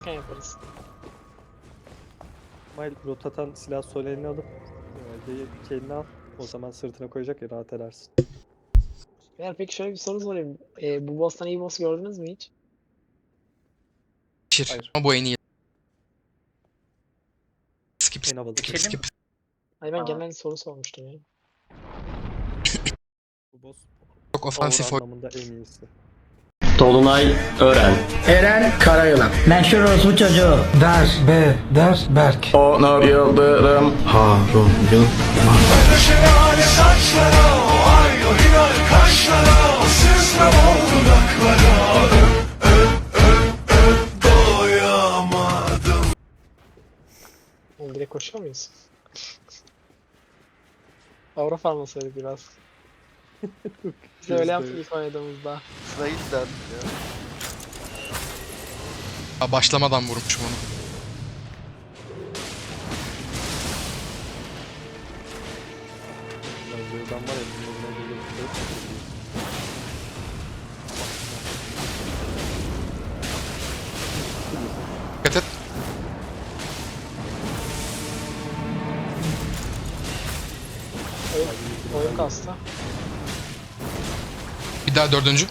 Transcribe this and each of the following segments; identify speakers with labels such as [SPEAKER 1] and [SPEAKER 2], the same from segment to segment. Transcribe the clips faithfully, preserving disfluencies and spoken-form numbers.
[SPEAKER 1] yaparız.
[SPEAKER 2] İsmail rotatan silah sol elini alıp G'yi iki eline al. O zaman sırtına koyacak ya rahat edersin.
[SPEAKER 1] Eğer peki şöyle bir soru sorayım. Ee, bu boss'tan iyi boss gördünüz mü hiç?
[SPEAKER 3] Şir.
[SPEAKER 2] Hayır.
[SPEAKER 3] Ama bu en iyi. Skip
[SPEAKER 2] En havalı.
[SPEAKER 3] skip
[SPEAKER 4] Geçelim.
[SPEAKER 3] skip.
[SPEAKER 1] Hani ben
[SPEAKER 4] Aa.
[SPEAKER 1] genel soru sormuştum ya.
[SPEAKER 2] Bu boss
[SPEAKER 3] Çok
[SPEAKER 2] power
[SPEAKER 3] ofansif oyun.
[SPEAKER 2] anlamında en iyisi.
[SPEAKER 5] Dolunay Ören.
[SPEAKER 6] Eren Karayılan. Meşhur orospu çocuğu. Der, be, der, Berk.
[SPEAKER 5] Onur Yıldırım.
[SPEAKER 6] Harun Yılmaz.
[SPEAKER 1] Oğlum direkt koşuyor muyuz? Avra farmasaydı biraz. Biz de öyle yaptık ilk oynadığımızda.
[SPEAKER 4] Sırayı izlerdik ya.
[SPEAKER 3] Aa, başlamadan vurmuşum onu.
[SPEAKER 2] Ben var ya bunun önüne gelip
[SPEAKER 3] Dikkat et.
[SPEAKER 1] Oyun, oyun kastı.
[SPEAKER 3] Bir daha dördüncü.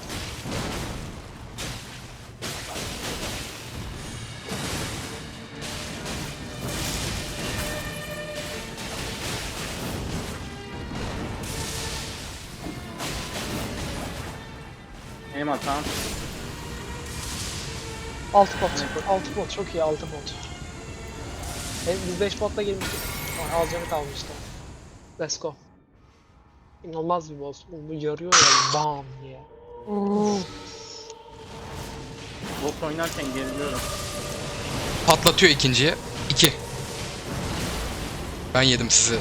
[SPEAKER 4] Benim hatam.
[SPEAKER 1] Altı bot. Altı bot. Çok iyi altı bot. Hem biz beş botla girmiştik. Ay, az canı kalmıştı. Let's go. İnanılmaz bir boss. Bu yarıyor ya bam diye.
[SPEAKER 4] Boss oynarken geriliyorum.
[SPEAKER 3] Patlatıyor ikinciye. İki. Ben yedim sizi.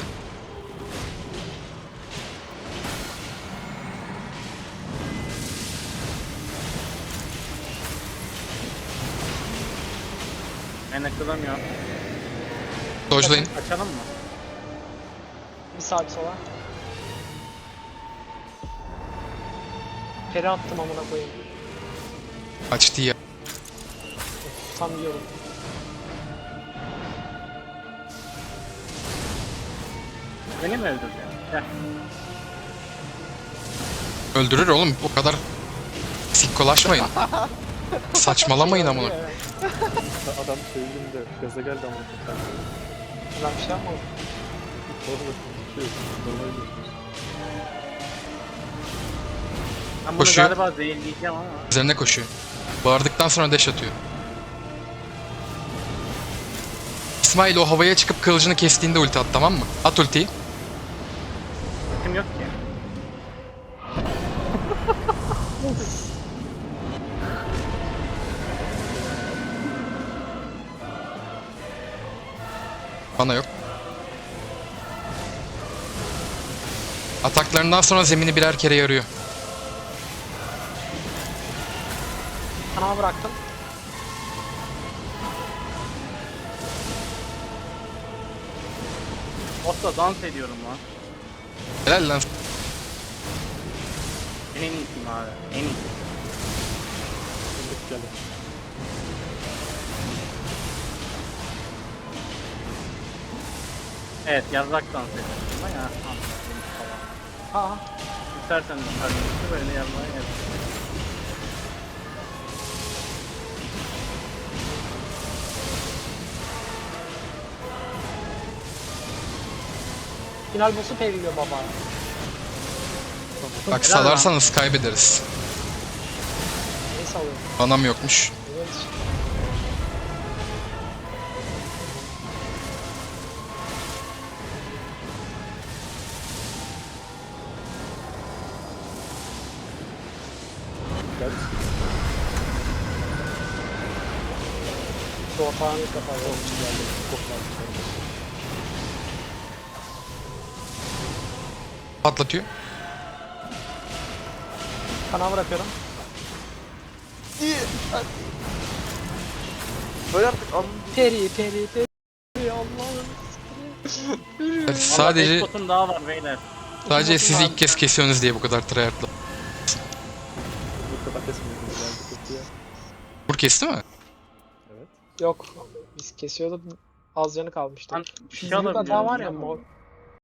[SPEAKER 4] Ben akılamıyorum.
[SPEAKER 3] Dodge'layın.
[SPEAKER 4] Açalım mı?
[SPEAKER 1] Bir sağ bir sola. Peri attım amına koyayım.
[SPEAKER 3] Açtı ya.
[SPEAKER 1] Tam yiyorum.
[SPEAKER 4] Beni mi öldürdün? Gel.
[SPEAKER 3] Öldürür oğlum. O kadar sikkolaşmayın. Saçmalamayın amına.
[SPEAKER 2] adam sevdiğinde gaza geldi ama.
[SPEAKER 1] Ben bir şey yapmadım.
[SPEAKER 2] Orada şey, normal bir-
[SPEAKER 4] Ben bunu
[SPEAKER 3] Koşuyor.
[SPEAKER 4] galiba zehirleyeceğim ama.
[SPEAKER 3] Üzerine koşuyor. Bağırdıktan sonra deş atıyor. İsmail o havaya çıkıp kılıcını kestiğinde ulti at, tamam mı? At ultiyi.
[SPEAKER 4] Kim yok ki?
[SPEAKER 3] Bana yok. Ataklarından sonra zemini birer kere yarıyor.
[SPEAKER 1] Kanama bıraktım.
[SPEAKER 4] Boss'la dans ediyorum lan.
[SPEAKER 3] Helal lan.
[SPEAKER 4] Ben en iyisiyim abi. En iyisi.
[SPEAKER 2] Birlik geldi.
[SPEAKER 4] Evet, yazrak dans ediyorum. Ama ya.
[SPEAKER 1] Aa.
[SPEAKER 4] İstersen kardeşim böyle yazmaya gel.
[SPEAKER 1] Final boss'u periliyor baba.
[SPEAKER 3] Bak salarsanız kaybederiz.
[SPEAKER 1] Neyse alıyorum.
[SPEAKER 3] Anam yokmuş.
[SPEAKER 1] Evet.
[SPEAKER 2] Gel.
[SPEAKER 1] Şu ortağını ilk defa
[SPEAKER 2] Onun
[SPEAKER 1] gördüm.
[SPEAKER 2] için geldi. Çok lazım.
[SPEAKER 3] Patlatıyor.
[SPEAKER 1] Kanama bırakıyorum.
[SPEAKER 4] İyi. Hadi. Böyle artık anladım.
[SPEAKER 1] Peri peri peri Allah'ım.
[SPEAKER 3] Yani sadece
[SPEAKER 4] Sadece... daha var beyler.
[SPEAKER 3] sadece sizi ilk kez kesiyorsunuz diye bu kadar tryhardla.
[SPEAKER 2] Bu kadar kesmiyoruz. Yani kötü ya.
[SPEAKER 3] Vur kesti mi?
[SPEAKER 2] Evet.
[SPEAKER 1] Yok. Biz kesiyorduk. Az canı kalmıştı.
[SPEAKER 4] Lan bir
[SPEAKER 1] Şu
[SPEAKER 4] şey
[SPEAKER 1] büyük hata
[SPEAKER 4] alabiliyorum,
[SPEAKER 1] var ya
[SPEAKER 4] biliyor
[SPEAKER 1] mor.
[SPEAKER 4] musun?